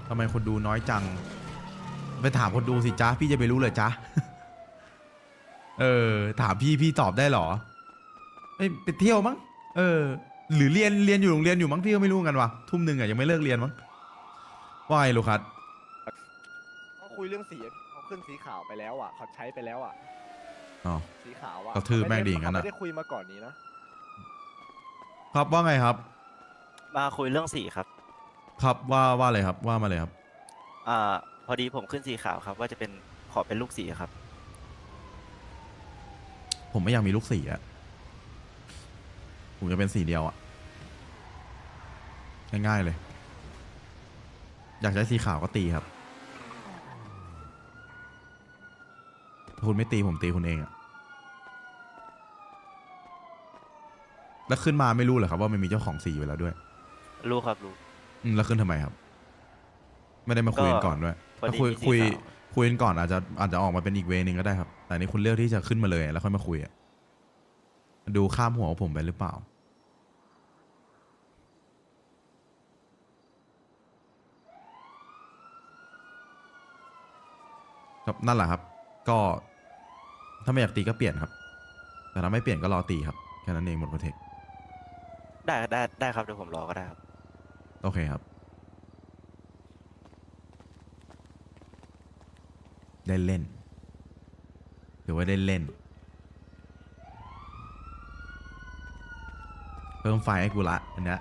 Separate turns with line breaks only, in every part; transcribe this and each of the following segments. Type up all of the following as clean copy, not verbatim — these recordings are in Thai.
ทำไมคนดูน้อยจังไปถามคนดูสิจ๊ะพี่จะไปรู้เลยจ๊ะ ถามพี่ตอบได้เหรอไปเที่ยวมั้งหรือเรียนอยู่โรงเรียนอยู่มั้งพี่ก็ไม่รู้กันว่ะทุ่มหนึ่งอ่ะยังไม่เลิกเรียนมั้งว่าไงลูกคัส
เขาคุยเรื่องสีเขาขึ้นสีขาวไปแล้วอ่ะเขาใช้ไปแล้วอ่ะ
อ๋อ
สีขาวอ่ะ
กระทืบแม่งดีงั้นอ่ะ
เขาไม่ได้คุยมาก่อนนี้นะครับ
ว่าไงครับ
มาคุยเรื่องสีครับ
ครับว่าอะไรครับว่ามาเลยครับ
อ่าพอดีผมขึ้นสีขาวครับว่าจะเป็นขอเป็นลูกสีครับ
ผมไม่อยากมีลูกสีอ่ะผมจะเป็นสีเดียวอ่ะง่ายๆเลยอยากใช้สีขาวก็ตีครับถ้าคุณไม่ตีผมตีคุณเองอะแล้วขึ้นมาไม่รู้เหรอครับว่ามันมีเจ้าของสีอยู่แล้วด้วย
รู้ครับรู้
แล้วขึ้นทำไมครับไม่ได้มาคุยกันก่อนด้วย
พอ
ถ้า
ดีมีสี
คุย
ขาว
คุยกันก่อนอาจจะออกมาเป็นอีกเวนึงก็ได้ครับแต่นี่คุณเลือกที่จะขึ้นมาเลยแล้วค่อยมาคุยอะดูข้ามหัวผมไปหรือเปล่าครับนั่นแหละครับก็ถ้าไม่อยากตีก็เปลี่ยนครับแต่ถ้าไม่เปลี่ยนก็รอตีครับแค่นั้นเองหมดโปรเทค
ได้ครับเดี๋ยวผมรอก็ได้ครับ
โอเคครับได้เล่นหรือว่าได้เล่นเพิ่มไฟให้กูละอันเนี้ย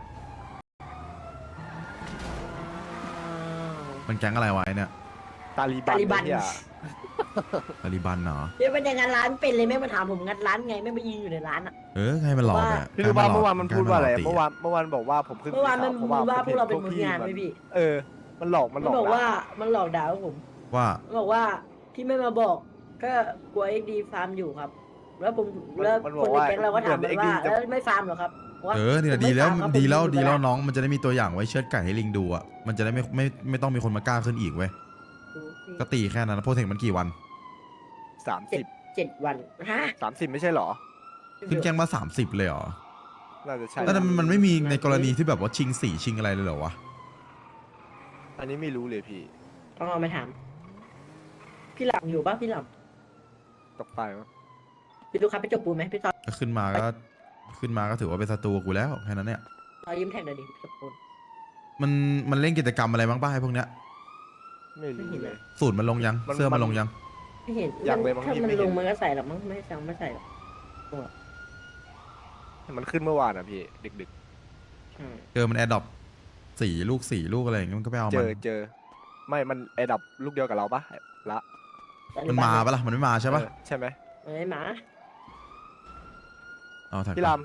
มันแก๊งอะไรไว้เนี่ย
ตาลีบันเนี่ย
ตาลิบันเหรอ
เดี๋ยวมันยังงัดร้านเป็นเลยไม่มาถามผมงัดร้านไงไม่มายืนอยู่ในร้านอ่ะ
ให้มันหลอกอ่ะ
คือว่าเมื่อวานมันพูดว่าอะไรเมื่อวานบอกว่าผมขึ้น
เมื่อวานมัน
สีข
ว่าพวกเราเป็น
ผ
มื
ม
องาน
ห็
ไหมพี่
มันหลอกมัน
มันบอกว่า
ด่
มันหลอกด่าผม
ว่า
มันบอกว่าที่ไม่มาบอกก็กลัวเอ็กดีฟาร์มอยู่ครับ แล้วผมแล้วคนในแก๊งเราก็ถามมันว่าแล้วไม่ฟาร์มหรอครับว่า
เนี่ยดี
ผมไม่
แล้ว
ฟาร์มครับ
ดีแล้ว
ผมอยู่
ดีแล้ว
ไป
น้องมันจะได้มีตัวอย่างไว้เชือดไก่ให้ลิงดูอ่ะมันจะได้ไม่ต้องมีคนมากล้าขึ้นอีกเว้ยก็ตีแค่นั้นโปรเทคมันกี่วัน
30
7 วันฮะ
30ไม่ใช่เหรอ
ขึ้นแกงมา30เลยเหรอ
น่าจะใช่
แล้วมันไม่มีในกรณีที่แบบว่าชิงสีชิงอะไรเลยเหรอวะ
อันนี้ไม่รู้เลยพี่
ต้องเอามาถามพี่หลังอยู่ป่ะพี่หลัง
ตกไปมั้ง
พี่ลูกค้าไปจบปูนไหมพี่ตอน
ก็ขึ้นมาก็ถือว่าเป็นศัตรูกูแล้วแค่นั้นเนี่ย
ยิ้มแท็กหน่อยดิจบปูน
มันเล่นกิจกรรมอะไรบ้างป้าไอ้พวกเนี้ย
ไม่รู้เลย
สูตรมันลงยัง
มัน
เสื้อมันลงยัง
ไม่เห็น
ยังเลยมั้ง
ถ้า
พี่
มัน
ไม่เห็
ล
น
งมันก็ใส่หรอกมั้งไม่สั่งไม่ใส่หรอก
มันขึ้นเมื่อวานอ่ะพี่ดึก
เจอมันแอดดอปสีลูกอะไรอย่างเงี้ยมันก็ไปเอา
ๆ
มัน
เจอไม่มันไอดับลูกเดียวกับเราปะละ
มันมาปะล่ะมันไม่มาใช่ปะ
ใช่ไหม
เอ้ยหมา
เอาถัก
พี่ล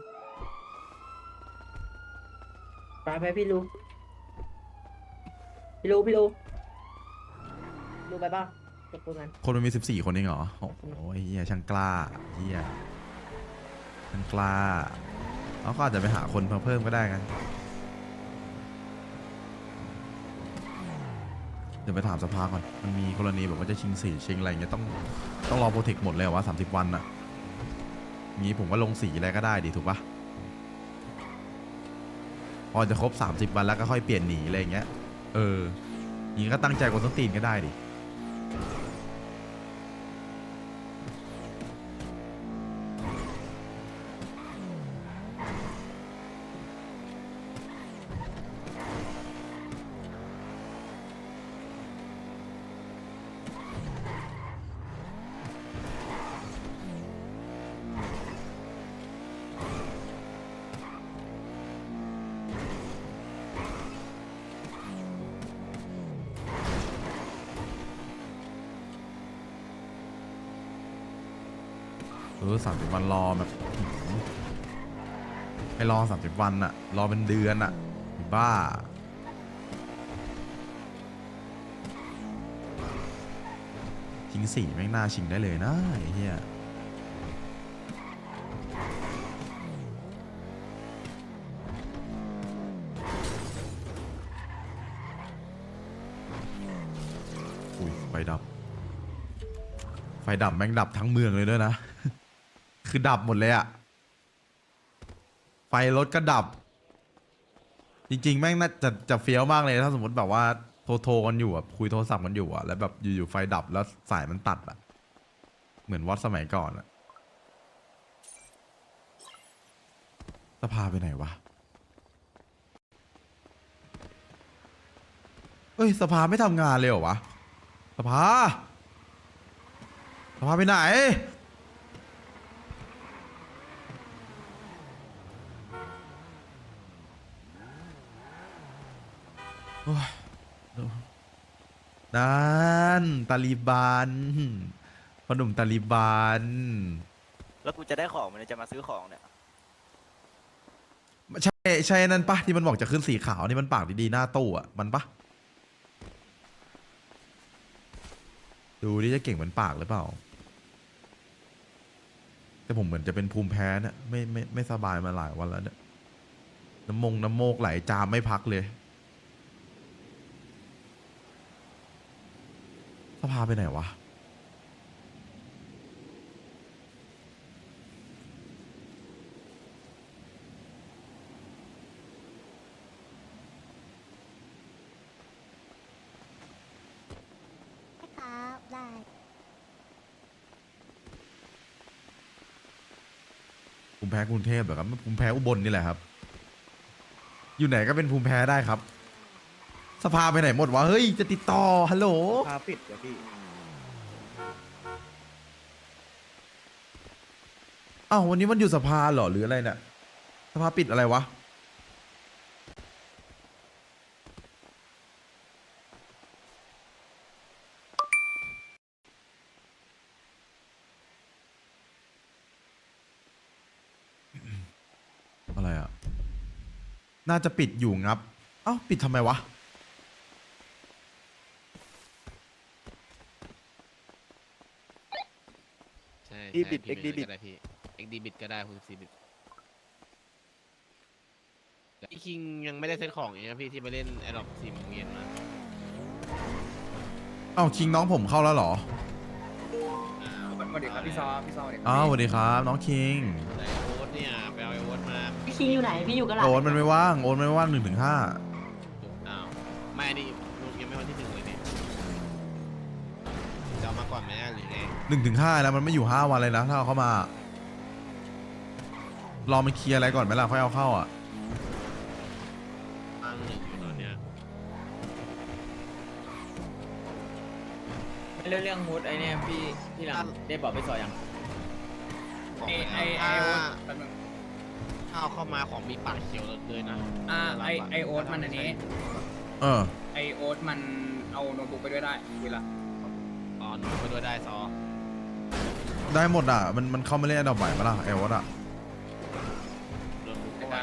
ไปพี่ลูพี่ลูไปบ้างจบปูนกัน
คนมันมี14 คนเองเหรอโอ้โหเฮียช่างกล้าเฮียช่างกล้าเขาก็อาจจะไปหาคนเพิ่มก็ได้ไงเดี๋ยวไปถามสภาก่อนมันมีกรณีแบบว่าจะชิงสีชิงอะไรอย่างเงี้ยต้องรอโปรเทคหมดเลยเหรอวะ30 วันอะงี้ผมว่าลงสีอะไรก็ได้ดิถูกปะพอจะครบ30 วันแล้วก็ค่อยเปลี่ยนหนีอะไรอย่างเงี้ยอย่างงี้ก็ตั้งใจกดต้นตีนก็ได้ดิ30 วันรอแบบให้รอ30 วันอะรอเป็นเดือนอะบ้าชิงสีแม่งน่าชิงได้เลยนะไอ้เหี้ยอุ้ยไฟดับแม่งดับทั้งเมืองเลยด้วยนะ คือดับหมดเลยอะไฟรถก็ดับ จริงๆแม่งน่าจะเฟี้ยวมากเลยถ้าสมมติแบบว่าโทรกันอยู่อะคุยโทรศัพท์กันอยู่อะแล้วแบบอยู่ๆไฟดับแล้วสายมันตัดอะเหมือนวัดสมัยก่อนอะสภาไปไหนวะเอ้ยสภาไม่ทำงานเลยเหรอวะสภาไปไหนโอ้ยนั่นตาลีบันพ่อหนุ่มตาลีบัน
แล้วกูจะได้ของมันจะมาซื้อของเนี่ย
ใช่นั่นปะที่มันบอกจะขึ้นสีขาวนี่มันปากดีๆหน้าตู้อ่ะมันปะดูดิจะเก่งเหมือนปากหรือเปล่าแต่ผมเหมือนจะเป็นภูมิแพ้เนี่ยไม่สบายมาหลายวันแล้วเนี่ยน้ำโมกไหลจามไม่พักเลยสภาไปไหนวะ
ครับได้
ภูมิแพ้กรุงเทพเหรอครับภูมิแพ้อุบลนี่แหละครับอยู่ไหนก็เป็นภูมิแพ้ได้ครับสภาไปไหนหมดวะเฮ้ยจะติดต่อฮัลโหล
พาปิดเดี๋ยวพี่
อ้าววันนี้มันอยู่สภาเหรอหรืออะไรเนี่ยสภาปิดอะไรวะอะไรอ่ะน่าจะปิดอยู่งับเอ้าปิดทำไมวะ
ใช่
อีบิด
ใช่
XD บิด
ก็ได้พี่ XD บิดก็ได้64บิตพี่คิงยังไม่ได้เซตของอย่างเงี้ยพี่ที่ไปเล่นแอดดอป4 โมงเย็นมา
เอ้าคิงน้องผมเข้าแล้วเหรอ
สวัสดีครับพี่ซอสวัสดีครั
อ้าวสวัสดีครับน้องคิง
ไอโอ๊ตเนี่ยไปเอาไอโอ๊ตมา
พี่คิงอยู่ไหนพี่อยู่กับหลาน
โอนมันไม่ว่าง1 ถึง 5
อ้าวไม่นี่ลูกยังไม่วันที่ 1เลยเนี่ยจะเอามาก่อนไหมหรือไง
1 ถึง 5แล้วมันไม่อยู่5 วันเลยนะถ้าเอาเข้ามารอมันเคลียร์อะไรก่อนไหมล่ะค่อยเอาเข้าอ่ะ
ตั้ง1อยู่ตอนเนี้ย
เรื่องมูดไอเนี่ยพี่หลังได้บอกพี่ซอยัง
ของ
ไอ
แล้ว
โอ๊ต
ถ้าเอาเข้ามาของมีปากเขียวเลยนะ
ไอโอ๊ตมันอันนี้
เออ
ไอโอ๊ตมันเอาโน้ตบุ๊กไปด้วยได้เวลา
อ๋อหนูไปด้วยได้ซอ
ได้หมดอ่ะมันเข้ามาเล่นอันดับใหม่ปะล่ะไอวอตอ่ะ
โดนบุกเข้าไป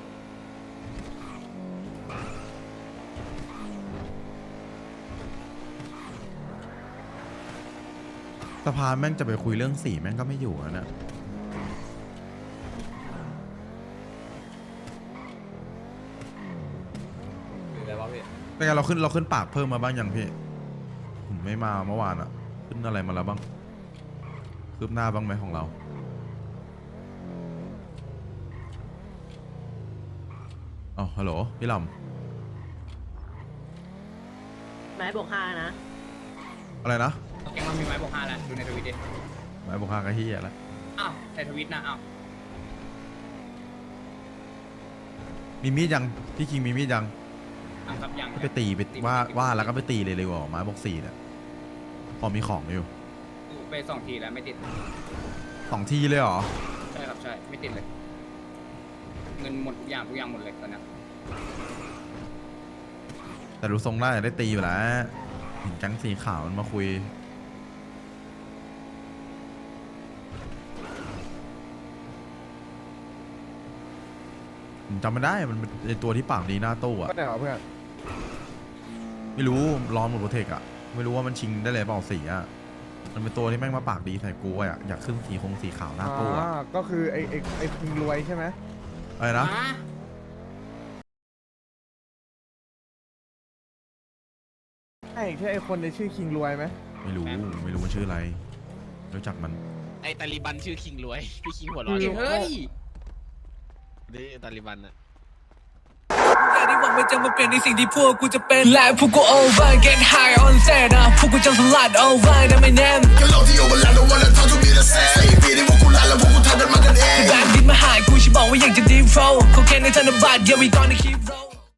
สภาแม่งจะไปคุยเรื่องสีแม่งก็ไม่อยู่แล้วเนี่ย
หรืออะไรวะพี่
เป็นไงเราขึ้นปากเพิ่มมาบ้างยังพี่ผมไม่มาเมื่อวานอ่ะขึ้นอะไรมาแล้วบ้างคืบหน้าบ้างไหมของเราอ๋อฮัลโหลพี่ล
ไม้บอก5นะ
ำอะไรนะ
แกงมันมีไม้บอก5แล้วดูในทวิตดิ
ไม้บอก5กะเฮียแล้ว
อ้าวในทวิตนะอ้าว
มีมีดยังพี่คิงมีมีดยัง
ครับยัง
ไปตีไปว่าแล้วก็ไปตีเลยดีกว่าไม้บอก4เนี่ยพอมีของอยู่
ไป2 ทีแล้วไม่ติด
2 ทีเลยเหรอ
ใช่ครับใช่ไม่ติดเลย เงินหมดทุกอย่างหมดเลยตอนนี้
แต่ดูทรงได้ได้ตีอยู่แล้วเห็นแก๊งสีขาวมันมาคุยผมจำไม่ได้มันเป็นไอ้ตัวที่ปากดีหน้าตู้อะ
ก็ไหนเหรอเพื่อน
ไม่รู้รอนหมดโปรเทคอะไม่รู้ว่ามันชิงได้เลยเปล่าสีอะมันเป็นตัวที่แม่งมาปากดีใส่กูอะอยากขึ้นสีขาวหน้าตู้อะ
ก็คือไอ้คิงรวยใช่ไหม
อะไรนะ
ใช่ไอ้คนในชื่อคิงรวยไหม
ไม่รู้มันชื่ออะไรรู้จักมัน
ไอตาลีบันชื่อคิงรวย พี่คิงหัวเร้อน
เฮ้ย
นี่ตาลีบันอะ
แกที่ผม
มันจะมาเปลี่ยนในสิ่งที่พวกกูจะเป็นและพวกกู over get high on set นะพวกกูจะสลัด over นะไม่แน่ก็ลองที่โอเวอร์แลนด์ don't wanna talk to me the same ใส่ปีที่พวกกูลาแล้วพวกกูทำกันมากันเองแบงค์ดินมาหายกูฉันบอกว่าอยากจะ deep flow เขาแค่ในธนบัตร yeah we gonna keep roll